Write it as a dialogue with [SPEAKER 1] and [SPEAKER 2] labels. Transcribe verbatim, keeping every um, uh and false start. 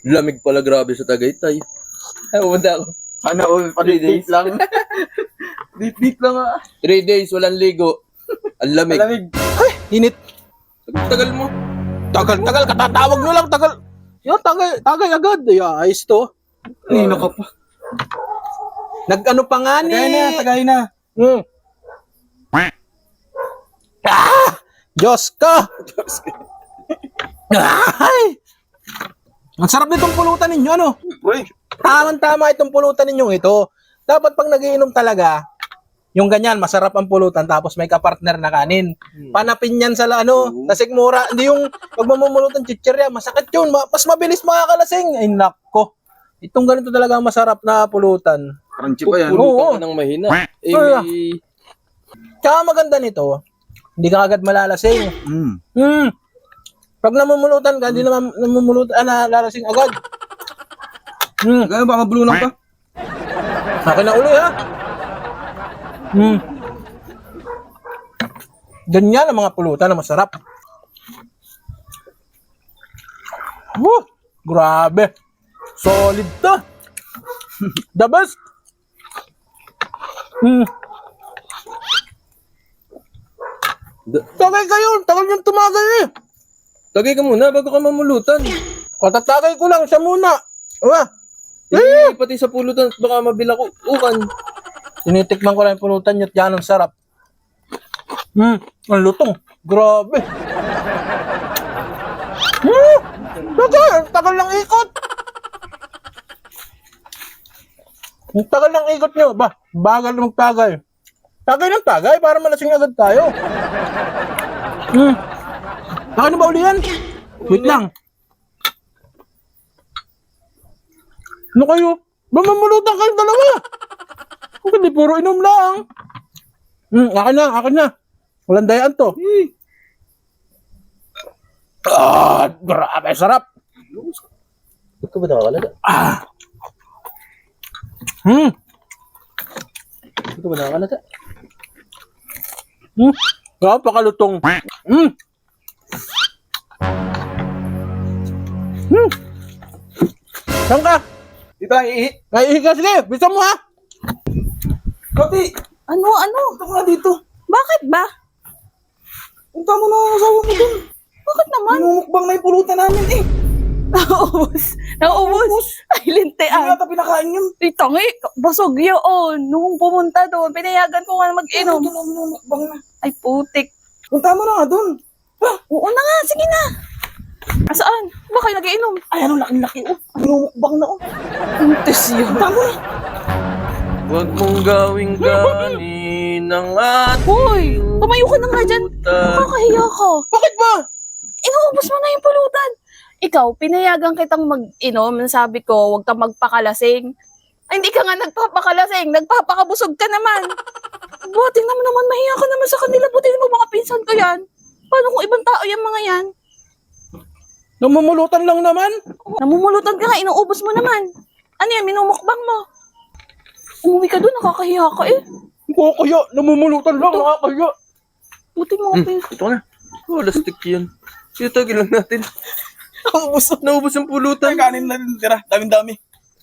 [SPEAKER 1] Lamig pala grabe sa Tagaytay.
[SPEAKER 2] Ay, pumunta ako.
[SPEAKER 3] Sana all,
[SPEAKER 1] Three days.
[SPEAKER 3] lang. Date-date lang ah.
[SPEAKER 1] Three days, walang ligo. Ang lamig.
[SPEAKER 3] Malamig.
[SPEAKER 2] Init.
[SPEAKER 1] Tagal mo.
[SPEAKER 2] Tagal, tagal. Katatawag nyo lang. Tagal. Yo, tagay, tagay agad. Ay, ayos to.
[SPEAKER 3] Nino ka pa.
[SPEAKER 2] Nag-ano pa nga ni...
[SPEAKER 3] Tagay na, tagay na.
[SPEAKER 2] Hmm. Ah! Diyos ka! Ay! Ang sarap nitong pulutan ninyo, ano?
[SPEAKER 3] Uy.
[SPEAKER 2] Tamang-tama itong pulutan ninyong ito. Dapat pag nagiinom talaga, yung ganyan, masarap ang pulutan tapos may kapartner na kanin. Panapin yan sa la- ano, sa sigmura. Hindi yung pag mamumulutan chichirya, masakit yun. Ma- mas mabilis makakalasing. Ay, nako. Itong ganito talaga ang masarap na pulutan.
[SPEAKER 3] Crunchy pa yan.
[SPEAKER 2] Oo.
[SPEAKER 1] Pulutan ka ng mahina. Eh,
[SPEAKER 2] Ah.
[SPEAKER 1] may...
[SPEAKER 2] Tsaka maganda nito, hindi ka agad malalasing.
[SPEAKER 3] Mm.
[SPEAKER 2] Hmm. Pag namumulutan ka, hindi naman namumulutan, ah, nalalasing agad. Hmm.
[SPEAKER 3] Tagay, baka bulunan ka.
[SPEAKER 2] Akin na uli, ha? Hmm. Ganyan ang mga pulutan na masarap. Woo! Grabe. Solid to. The best. Hmm.
[SPEAKER 1] Da-
[SPEAKER 2] Tagay kayo. Tagal yung tumagal eh.
[SPEAKER 1] Tagay ka muna bago ka mamulutan.
[SPEAKER 2] Katatagay ko lang siya muna. Diba?
[SPEAKER 1] Eh, pati sa pulutan, baka mabila ko. Ukan.
[SPEAKER 2] Tinitikman ko lang yung pulutan niya at yan ang sarap. Hmm, ang lutong. Grabe. Hmm, tagal. Tagal ng ikot. Ang tagal ng ikot nyo. Ba, bagal ng tagay. Tagay ng tagay para malasing agad tayo. Hmm. Akin na ba uli yan? Wait lang. Ano kayo? Mamamulutan kayong dalawa. Hindi, puro inom lang. Hmm, akin na, akin na. Walang dayaan to. Ah, grabe, sarap.
[SPEAKER 1] Ito ba nakakalaga?
[SPEAKER 2] Ah. Hmm.
[SPEAKER 1] Ito ba nakakalaga?
[SPEAKER 2] Hmm. Grabe, pakalutong. Hmm. Hmm. Saan ka?
[SPEAKER 3] Dito lang ihi.
[SPEAKER 2] Naihiga, sige. Bisa mo ha.
[SPEAKER 3] Kati,
[SPEAKER 4] Ano, ano?
[SPEAKER 3] punta ka nga dito.
[SPEAKER 4] Bakit ba?
[SPEAKER 3] Punta mo na ang asawa mo dun.
[SPEAKER 4] Bakit naman?
[SPEAKER 3] Minumukbang na yung pulutan namin eh.
[SPEAKER 4] Nauubos. Nauubos. Ay,
[SPEAKER 3] Hindi
[SPEAKER 4] lintean.
[SPEAKER 3] nata pinakain yun.
[SPEAKER 4] Ay, tangi. Basog yun. Nung pumunta doon, pinayagan ko nga mag-inom.
[SPEAKER 3] Ito na minumukbang na.
[SPEAKER 4] Ay, putik.
[SPEAKER 3] Punta mo na nga dun.
[SPEAKER 4] Oo na nga, sige na. Asaan? Ba kayo nag-iinom?
[SPEAKER 3] Ay, ano laki-laki oh. Minumukbang na oh.
[SPEAKER 4] Intes yun.
[SPEAKER 3] Punta mo na.
[SPEAKER 1] Huwag mong gawing ganin ng ating
[SPEAKER 4] Hoy, tumayo ka na nga dyan.
[SPEAKER 1] pulutan.
[SPEAKER 4] Nakakahiya ka.
[SPEAKER 2] Bakit ba?
[SPEAKER 4] Inuubos mo na yung pulutan. Ikaw, pinayagan kitang mag-inom. Sabi ko, huwag kang magpakalasing. Ay, hindi ka nga nagpapakalasing. Nagpapakabusog ka naman. Buti naman naman, mahiya ka naman sa kanila. Buti naman mga pinsan ko yan. Paano kung ibang tao yung mga yan?
[SPEAKER 2] Namumulutan lang naman.
[SPEAKER 4] Namumulutan ka nga, inuubos mo naman. Ano yan, minumukbang mo. Umuwi ka doon, nakakahiya ka eh.
[SPEAKER 2] Oo, kaya. Namumulutan lang. Nakakaya.
[SPEAKER 4] Buti mga pinsan.
[SPEAKER 1] Ito na. Oh, lastik yun. Sige, tagil lang natin.
[SPEAKER 3] Naubos.
[SPEAKER 1] Naubos ang pulutan.
[SPEAKER 3] Ay, kanin na rin tira. Daming-dami.